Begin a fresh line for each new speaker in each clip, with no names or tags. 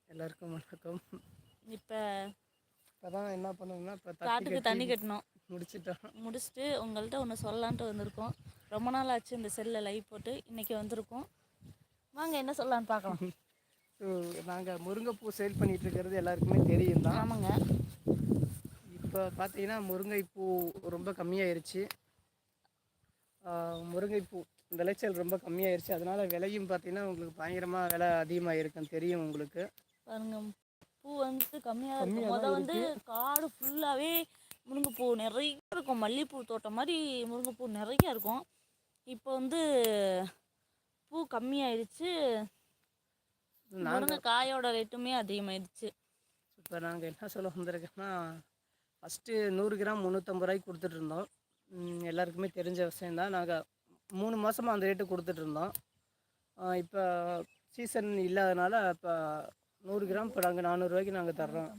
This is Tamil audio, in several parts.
எல்லாருக்கும் வணக்கம்.
இப்போ
இப்போதான் என்ன பண்ணோம்னா, இப்போ
காட்டுக்கு தண்ணி கட்டணும்.
முடிச்சுட்டு
உங்கள்கிட்ட ஒன்று சொல்லலான்ட்டு வந்திருக்கோம். ரொம்ப நாள் ஆச்சு இந்த செல்லில் லைவ் போட்டு, இன்றைக்கி வந்திருக்கோம். வாங்க என்ன சொல்லலான்னு பார்க்கலாம்.
ஸோ நாங்கள் முருங்கைப்பூ சேல் பண்ணிகிட்டு இருக்கிறது எல்லாருக்குமே தெரியும் தான்.
ஆமாங்க.
இப்போ பார்த்தீங்கன்னா முருங்கைப்பூ ரொம்ப கம்மியாயிருச்சு. முருங்கைப்பூ விளைச்சல் ரொம்ப கம்மியாயிருச்சு. அதனால விலையும் பார்த்தீங்கன்னா உங்களுக்கு பயங்கரமாக விலை அதிகமாக இருக்குன்னு தெரியும் உங்களுக்கு.
பாருங்க, பூ வந்து கம்மியாக இருக்கும். முதல் வந்து காடு ஃபுல்லாகவே முருங்கைப்பூ நிறைய இருக்கும். மல்லிகைப்பூ தோட்டம் மாதிரி முருங்கைப்பூ நிறைய இருக்கும். இப்போ வந்து பூ கம்மியாயிடுச்சு. முருங்கைக்காயோட ரேட்டுமே அதிகமாகிடுச்சு.
இப்போ நாங்கள் என்ன சொல்ல வந்திருக்கோன்னா, ஃபஸ்ட்டு 100 கிராம் 350 ரூபாய்க்கு கொடுத்துட்ருந்தோம். எல்லாருக்குமே தெரிஞ்ச விஷயந்தான். நாங்கள் 3 மாதமாக அந்த ரேட்டு கொடுத்துட்ருந்தோம். இப்போ சீசன் இல்லாதனால இப்போ 100 கிராம் இப்போ நாங்கள் 400 ரூபாய்க்கு நாங்கள் தர்றோம்.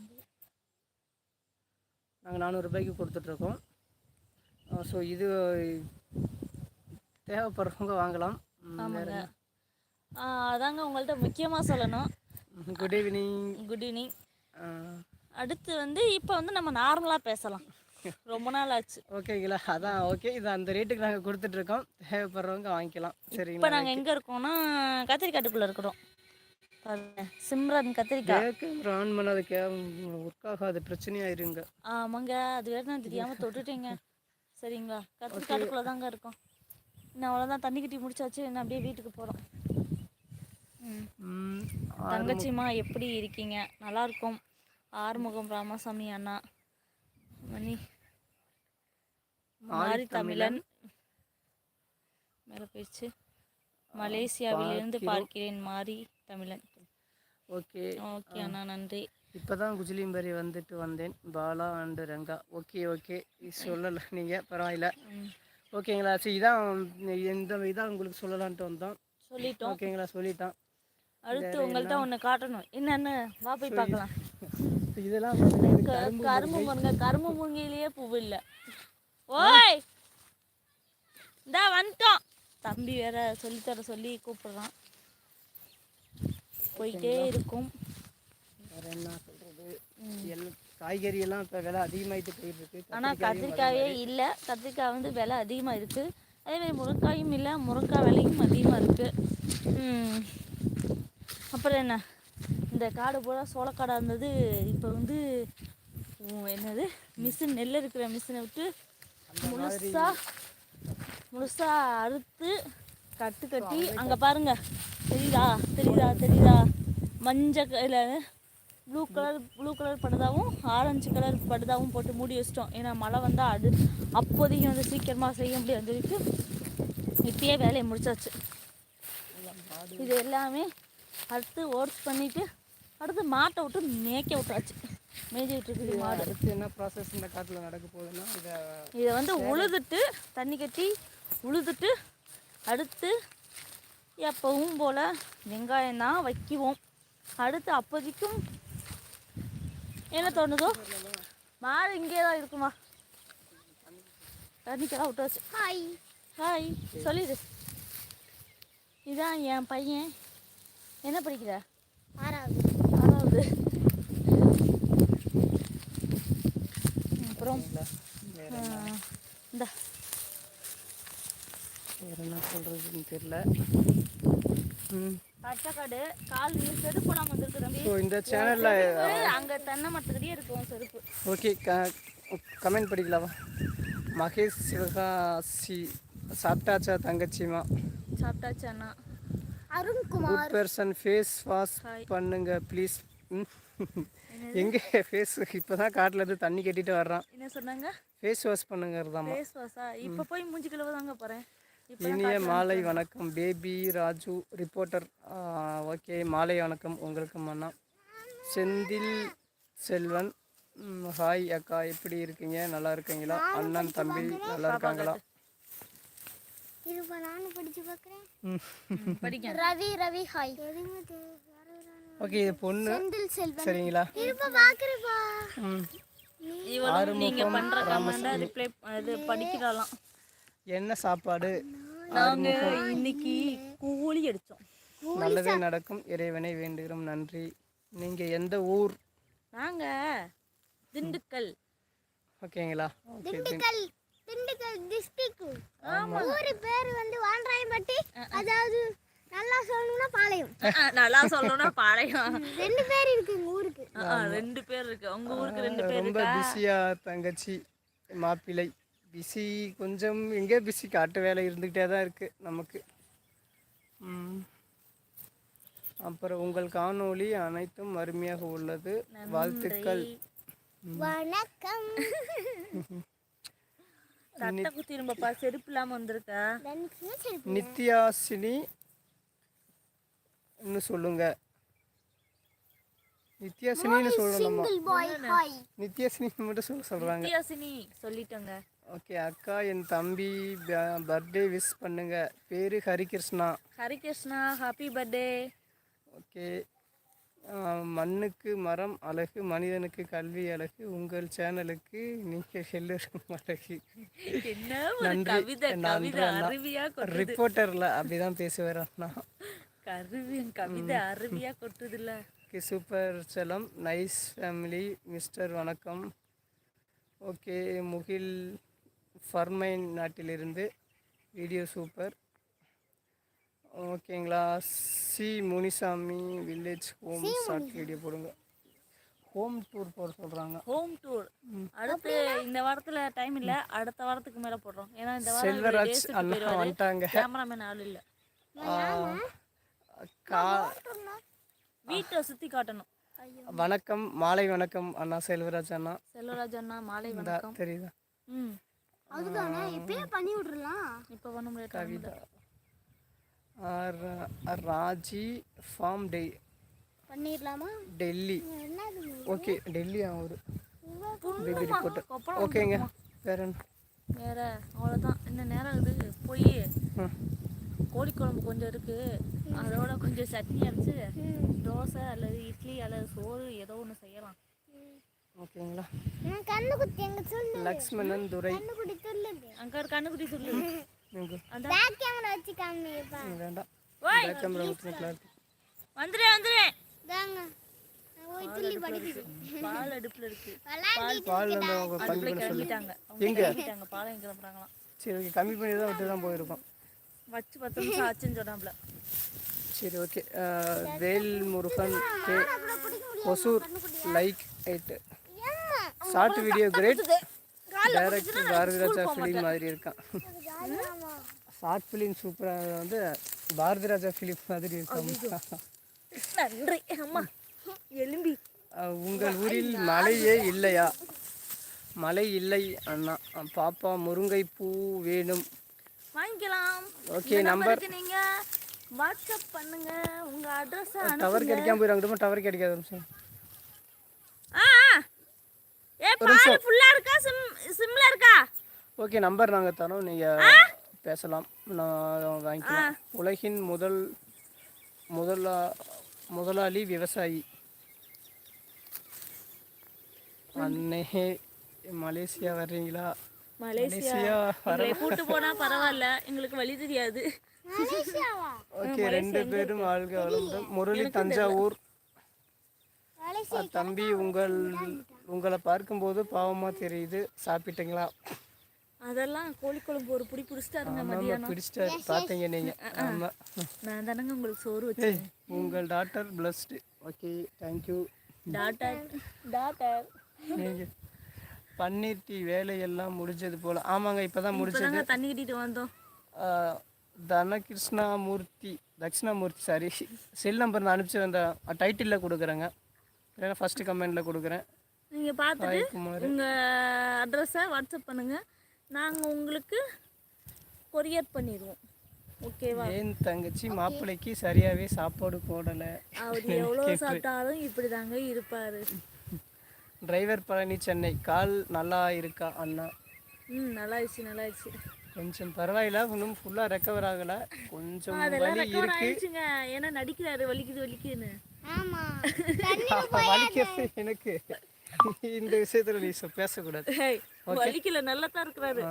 நாங்கள் 400 ரூபாய்க்கு கொடுத்துட்ருக்கோம். ஸோ இது தேவைப்படுறவங்க வாங்கலாம்.
அதாங்க உங்கள்கிட்ட முக்கியமாக சொல்லணும்.
Good evening.
Good evening. அடுத்து வந்து இப்போ வந்து நம்ம நார்மலாக பேசலாம். ரொம்ப நாள் ஆச்சு.
ஓகேங்களா? அதான் ஓகே. இது அந்த ரேட்டுக்கு நாங்கள் கொடுத்துட்ருக்கோம். தேவைப்படுறவங்க வாங்கிக்கலாம். சரி,
இப்போ நாங்கள் எங்கே இருக்கோம்னா கத்திரிக்காட்டுக்குள்ளே இருக்கிறோம். சிம்ரன் கத்திரிக்காய்
ஆன் பண்ணாதுக்கு ஒர்க் ஆகாது, பிரச்சனையாயிருங்க.
ஆமாங்க, அது வேறு நான் தெரியாமல் தொட்டுட்டேங்க. சரிங்களா? கத்திரிக்காட்டுக்குள்ளே தாங்க இருக்கோம். இன்னும் அவ்வளோதான், தண்ணி கட்டி முடிச்சாச்சு. என்ன அப்படியே வீட்டுக்கு போகிறோம். தங்கச்சிம்மா எப்படி இருக்கீங்க? நல்லா இருக்கும். ஆறுமுகம் ராமசாமி அண்ணா, மணி மாரி தமிழன் மேலே போயிடுச்சு. மலேசியாவிலிருந்து பார்க்கிறேன் மாரி தமிழன்.
ஓகே
ஓகே அண்ணா, நன்றி.
இப்போ தான் குஜிலிம்பரி வந்துட்டு வந்தேன். பாலா அண்டு ரங்கா. ஓகே சொல்லலை நீங்கள், பரவாயில்ல. ஓகேங்களா? சரி, இதான் உங்களுக்கு சொல்லலான்ட்டு வந்தோம்.
சொல்லிட்டோம்.
ஓகேங்களா? சொல்லிட்டான்.
அடுத்து உங்கள்கிட்ட ஒன்று காட்டணும். என்னன்னு வா போய் பார்க்கலாம்.
இதெல்லாம்
கரும்பு முருங்கை. கரும்பு முருங்கையிலேயே பூ இல்லை. ஓய், இந்தா வந்துட்டோம். தம்பி வேற சொல்லித்தர சொல்லி கூப்பிடுறான். போயிட்டே இருக்கும்.
வேற என்ன சொல்றது, காய்கறி எல்லாம் இப்போ விலை அதிகமாகிட்டு போயிட்டு இருக்கு.
ஆனால் கத்திரிக்காயே இல்லை. கத்திரிக்காய் வந்து விலை அதிகமாக இருக்குது. அதேமாதிரி முருங்காயும் இல்லை. முருங்காய் விலையும் அதிகமாக இருக்குது. அப்புறம் என்ன, இந்த காடு பூரா சோளக்காடாக இருந்தது. இப்போ வந்து என்னது, மிஷின், நெல் இருக்கிற மிஷினை விட்டு முழுசாக அறுத்து கட்டு கட்டி, அங்கே பாருங்க, தெரியுதா மஞ்சள் ப்ளூ கலர் படுதாவும் ஆரஞ்சு கலர் படுதாவும் போட்டு மூடி வச்சிட்டோம். ஏன்னா மழை வந்தால் அது அப்போதைக்கு வந்து சீக்கிரமாக செய்ய முடியாது சொல்லிட்டு இப்பயே வேலையை முடிச்சாச்சு. இது எல்லாமே அடுத்து ஓட்ஸ் பண்ணிவிட்டு அடுத்து மாட்டை விட்டு மேய்க்க விட்டாச்சு. மேய்ஞ்சிட்டு இருக்குது மாடு.
அடுத்து என்ன ப்ராசஸ் இந்த காட்டில் நடக்க போகுதுன்னா,
இதை வந்து உழுதுட்டு தண்ணி கட்டி உழுதுட்டு அடுத்து எப்பவும் போல் வெங்காயம் தான் வைக்குவோம். அடுத்து அப்போதைக்கும் என்ன தோணுதோ, மாடு இங்கே தான் இருக்குமா, தண்ணிக்கெல்லாம் விட்டாச்சு. ஹாய் சொல்லிடு. இதான் என் பையன். என்ன படிக்கிற? 6வது. அப்புறம் இந்த
வேறு என்ன சொல்கிறதுன்னு தெரியல.
பச்சைக்காடு கால் செருப்பு போடாமல் வந்துருக்கு தம்பி.
ஸோ இந்த சேனலில்
அங்கே தென்னை மரத்துக்கிட்டே இருக்கும் செருப்பு.
ஓகே, கமெண்ட் படிக்கலாமா? மகேஷ் சிவகாசி சாப்பிட்டாச்சா தங்கச்சிமா?
சாப்பிட்டாச்சு அண்ணா.
குட் பர்சன், ஃபேஸ் வாஷ் பண்ணுங்க ப்ளீஸ். எங்கே ஃபேஸ் இப்போ தான் காட்டிலேருந்து தண்ணி கட்டிட்டு வர்றான்.
என்ன சொன்னாங்க?
ஃபேஸ் வாஷ் பண்ணுங்கிறதாம்மா.
ஃபேஸ் வாஷா? இப்போ போய் மூஞ்சி கழுவ தாங்க போகிறேன்.
இனிய மாலை வணக்கம் பேபி ராஜு ரிப்போர்ட்டர். ஓகே, மாலை வணக்கம் உங்களுக்கு அண்ணா. செந்தில் செல்வன், ஹாய் அக்கா, எப்படி இருக்கீங்க? நல்லா இருக்கீங்களா? அண்ணன் தம்பி நல்லா இருக்காங்களா?
ரவி ஹாய்.
ஓகே, இது பொண்ணு சரிங்களா?
நீங்க பண்ற கமெண்ட ரிப்ளை அது படிக்கலாம்.
என்ன சாப்பாடு?
நாங்க இன்னைக்கு கூலி அடிச்சோம்.
நல்லதே நடக்கும், இறைவனை வேண்டுகிறோம். நன்றி. நீங்கள் எந்த ஊர்?
நாங்க திண்டுக்கல்.
ஓகேங்களா? ஓகே.
திண்டுக்கல் டிஸ்ட்ரிக்ட். ஊரு பேர் வந்து வான்ராயம்பட்டி. அதாவது நல்லா சொல்லணும்னா பாளையம்.
நல்லா சொல்லணும்னா பாளையம்.
2 பேர் இருக்கு எங்க ஊருக்கு.
2 பேர் இருக்கு. உங்க ஊருக்கு 2 பேர்
ரொம்ப
இருக்கா?
பிஸியா தங்கச்சி மாப்பிள்ளை? பிஸி கொஞ்சம் எங்கே பிஸி, காட்டு வேலை இருந்துக்கிட்டே தான் இருக்குது நமக்கு. அப்புறம் உங்கள் காணொளி அனைத்தும் அருமையாக உள்ளது, வாழ்த்துக்கள்.
வணக்கம்.
தட்டை குத்தி இரும்பப்பா, செருப்பு இல்லாம வந்திருக்கா.
நித்யாசினி சொல்லுங்க. நித்யாசினின்னு சொல்லணுமா? நித்யாசினி மட்டும் சொல்றாங்க.
நித்யாசினி சொல்லிட்டோங்க.
ஓகே. அக்கா என் தம்பி பர்த்டே விஷ் பண்ணுங்க. பேரு Harikrishna.
Harikrishna, happy birthday.
Okay. மண்ணுக்கு மரம் அழகு, மனிதனுக்கு கல்வி அழகு, உங்கள் சேனலுக்கு நீங்கள் எல்லோரும் அழகு.
என்ன ஒரு கவிதை, கவிதை அருவியா கொட்டுது.
ரிப்போர்ட்டர்ல அப்படிதான் பேசுவார் அண்ணா.
கவிதை அருவியா கொட்டுதுல்ல.
சூப்பர் செல்லம், நைஸ் ஃபேமிலி மிஸ்டர், வணக்கம். ஓகே. முகில் ஃபர்மைன் நாட்டிலிருந்து வீடியோ சூப்பர். ஓகேங்களா? C Munisamy village home short video போடுங்க. ஹோம் டூர் போட சொல்கிறாங்க.
ஹோம் டூர் அடுத்து இந்த வாரத்தில் டைம் இல்லை, அடுத்த வாரத்துக்கு மேலே போடுறோம். ஏன்னா இந்த வாரம்
செல்வராஜ் அண்ணா வந்துட்டாங்க.
கேமராமேன் ஆள் இல்லை. வீட்டை சுற்றி காட்டணும்.
வணக்கம், மாலை வணக்கம் அண்ணா. செல்வராஜ் அண்ணா.
செல்வராஜ் அண்ணா மாலை வணக்கம்.
தெரியுதா?
அதுதானே இப்பயே பண்ணி விட்டுறலாம்.
இப்போ பண்ண முடியாது.
கவிதா ராஜி ஃபார்ம்
பண்ணிடலாமா?
டெல்லி. ஓகே. டெல்லி ஒரு பேபி ரிப்போர்ட். ஓகேங்க. வேற என்ன?
வேற அவ்வளோதான். இன்னும் நேரம் இருக்குது. போய் கோழி குழம்பு கொஞ்சம் இருக்கு, அதோட கொஞ்சம் சட்னி அரைச்சு தோசை அல்லது இட்லி அல்லது சோறு ஏதோ ஒன்று செய்யலாம்.
ஓகேங்களா?
கண்ணுக்குட்டி எங்க சொல்லு.
லக்ஷ்மணன் துரை.
கண்ணுக்குட்டி சொல்லுங்க.
அங்க ஒரு கண்ணுக்குட்டி சொல்லு.
பேக் கேமரா வச்சு காமிப்பா.
வேண்டாம்.
ஓய்
பேக் கேமரா வச்சுக்கலாம்.
வந்துறேன்.
தாங்க. ஓய் துள்ளி படிக்குது.
பால் அடுப்புல இருக்கு.
பால் வந்து அவங்க கம்மி பண்ண
கிளம்பிட்டாங்க.
எங்க
கிளம்பிட்டாங்க. பால் எங்க கிளம்புறாங்களாம்.
சரி ஓகே. கம்மி பண்ணி தான் விட்டு தான் போயிருக்கோம்.
வச்சு 10 நிமிஷம் ஆச்சுன்னு சொன்னாப்ல.
சரி okay. Vel Murugan K Hosur like 8 short video great. Director Bharathiraja film மாதிரி இருக்கான். ஷார்ட் ஃபிலிம் சூப்பராக வந்து பாரதிராஜா ஃபிலிம் மாதிரி இருக்கான்.
நன்றி அம்மா. எலும்பி.
உங்கள் ஊரில் மழையே இல்லையா? மழை இல்லை அண்ணா. பாப்பா முருங்கை பூ வேணும்.
வாங்கிக்கலாம்.
ஓகே. நம்பர்
நீங்க வாட்ஸ்அப் பண்ணுங்க. உங்க அட்ரஸ்
டவர் கிடைக்காம போயிடும். டவர் கிடைக்காது.
பால் ஃபுல்லா இருக்கா, சிம்ல இருக்கா?
ஓகே. நம்பர் நாங்கள் தரோம், நீங்கள் பேசலாம், நான் வாங்கிக்கலாம். உலகின் முதலாளி விவசாயி அண்ணே. மலேசியா வர்றீங்களா?
மலேசியா கூட்டு போனா பரவாயில்ல, எங்களுக்கு வழி தெரியாது.
ஓகே. 2 பேரும் வாழ்க வளமுடன். முரளி தஞ்சாவூர். தம்பி உங்களை பார்க்கும்போது பாவமா தெரியுது, சாப்பிட்டீங்களா?
அதெல்லாம் கோழி குழம்பு ஒரு புடி பிடிச்சிட்டாருங்க மதியானம்.
பிடிச்சிட்டாரு பார்த்தீங்க நீங்க. ஆமா,
நான் தானங்க உங்களுக்கு சோறு வச்சேன்.
உங்கள் daughter plus two. Okay, thank you
daughter.
நீங்க பன்னீர் டீ வேலையெல்லாம் முடிஞ்சது போல. ஆமாங்க, இப்பதான் முடிச்சது.
தண்ணி கட்டிட்டு வந்தோம்.
தட்சிணாமூர்த்தி சாரி, செல் நம்பர் நான் அனுப்பிச்சு அந்த டைட்டிலில் கொடுக்குறேங்க, இல்லைன்னா ஃபஸ்ட்டு கமெண்டில் கொடுக்குறேன்.
நீங்கள் பார்த்துட்டு உங்கள் அட்ரஸை வாட்ஸ்அப் பண்ணுங்கள், நாங்கள் உங்களுக்கு கொரியர் பண்ணிடுவோம். ஓகேவா?
ஏன் தங்கச்சி மாப்பிள்ளைக்கு சரியாகவே சாப்பாடு போடலை.
அவர் எவ்வளோ சாப்பிட்டாலும் இப்படி தாங்க இருப்பார்.
டிரைவர் பழனி சென்னை. கால் நல்லா இருக்கா அண்ணா?
நல்லாயிடுச்சு.
கொஞ்சம் பரவாயில்ல, இன்னும் ஃபுல்லாக ரெக்கவர் ஆகலை, கொஞ்சம் வலி இருக்கு.
ஏன்னா நடிக்கிறாரு, வலிக்குதுன்னு.
வலிக்கிறது எனக்கு இந்த விஷயத்துல நீ பேசக்கூடாது.
வலிக்கல, நல்லா தான் இருக்கிறாரு.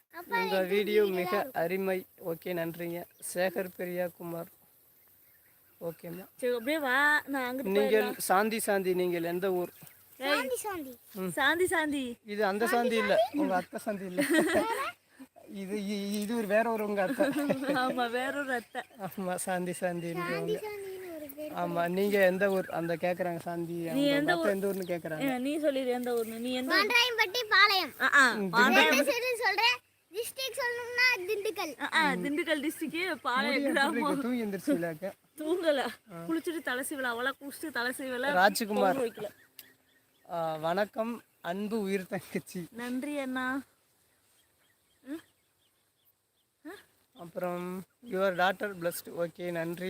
உங்க வீடியோ மிக அருமை. ஓகே, நன்றிங்க. சேகர் பெரியா குமார். ஓகேம்மா.
சரி அப்படியே வா, நான் அங்கிட்டு
நீங்கள் சாந்தி நீங்கள் எந்த ஊர்?
சாந்தி சாந்தி
சாந்தி
இது அந்த சாந்தி இல்லை, உங்கள் அத்தை சாந்தி இல்லை. இது ஒரு வேற ஒரு உங்கள் அத்தை.
ஆமா, வேற ஒரு அத்தை.
ஆமாம், சாந்தின்றவங்க.
சாந்தின்னு ஒரு பேர்.
ஆமாம், நீங்கள் எந்த ஊர் அந்த கேட்குறாங்க சாந்தி. எந்த ஊர்னு கேட்குறாங்க.
நீ சொல்லிடு எந்த ஊர்னு. நீ எந்த
பாண்டாயம்பட்டி பாளையம். என்ன சரி சொல்றேன். டிஸ்ட்ரிக்ட் சொல்லணும்னா திண்டுக்கல்.
திண்டுக்கல் டிஸ்ட்ரிக்ட் பாளையம் கிராமம்.
தூங்கி எந்திரிச்சிலாக்க
தூங்கல, குளிச்சுட்டு தலை சீவல, அவளா குளிச்சுட்டு தலை சீவல.
ராஜ்குமார், வணக்கம் அன்பு உயிர் தங்கச்சி.
நன்றி அண்ணா.
அப்புறம் யுவர் டாட்டர் பிளஸ்ட். ஓகே, நன்றி.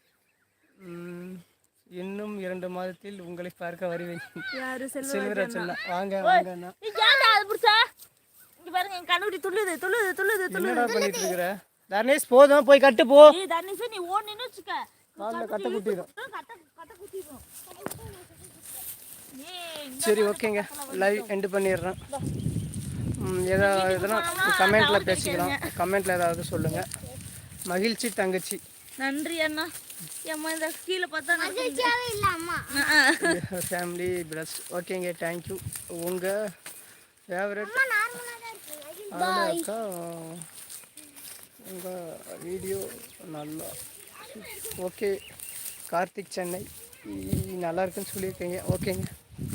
இன்னும் 2 மாதத்தில் உங்களை பார்க்க வருவேன்.
யாரு?
செல்வராஜன். வாங்க வாங்கண்ணா.
இங்க பாருங்க, என் கண்ணுக்குட்டி துள்ளுது.
என்னடா பண்ணிட்டு இருக்கிற தர்ணேஷ்? போதும், போய் கட்டு போ.
தர்ணேஷ், நீ ஓடுனேன்னு வச்சுக்க,
கால்ல கட்ட குட்டிடும்.
கட்ட குத்திடும்.
சரி, ஓகேங்க, லைவ் எண்டு பண்ணிடுறேன். எதுனா கமெண்ட்டில் பேசிக்கலாம். கமெண்ட்டில் ஏதாவது சொல்லுங்கள். மகிழ்ச்சி தங்கச்சி.
நன்றி அண்ணா. அம்மா இந்த கீழே பார்த்தா
மகிழ்ச்சியாவே இல்ல அம்மா.
Family plus. ஓகேங்க, தேங்க்யூ. உங்கள் ஃபேவரட்
நார்மலா தான் இருக்கு.
அக்கா, உங்கள் வீடியோ நல்லா. ஓகே, கார்த்திக் சென்னை நல்லா இருக்குன்னு சொல்லியிருக்கீங்க. ஓகேங்க,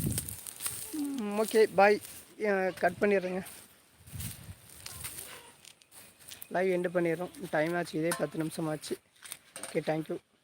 ஓகே, பாய். கட் பண்ணிடுறேங்க, லைவ் எண்டு பண்ணிடுறோம். டைம் ஆச்சு, இதே 10 நிமிஷம் ஆச்சு. Okay, thank you.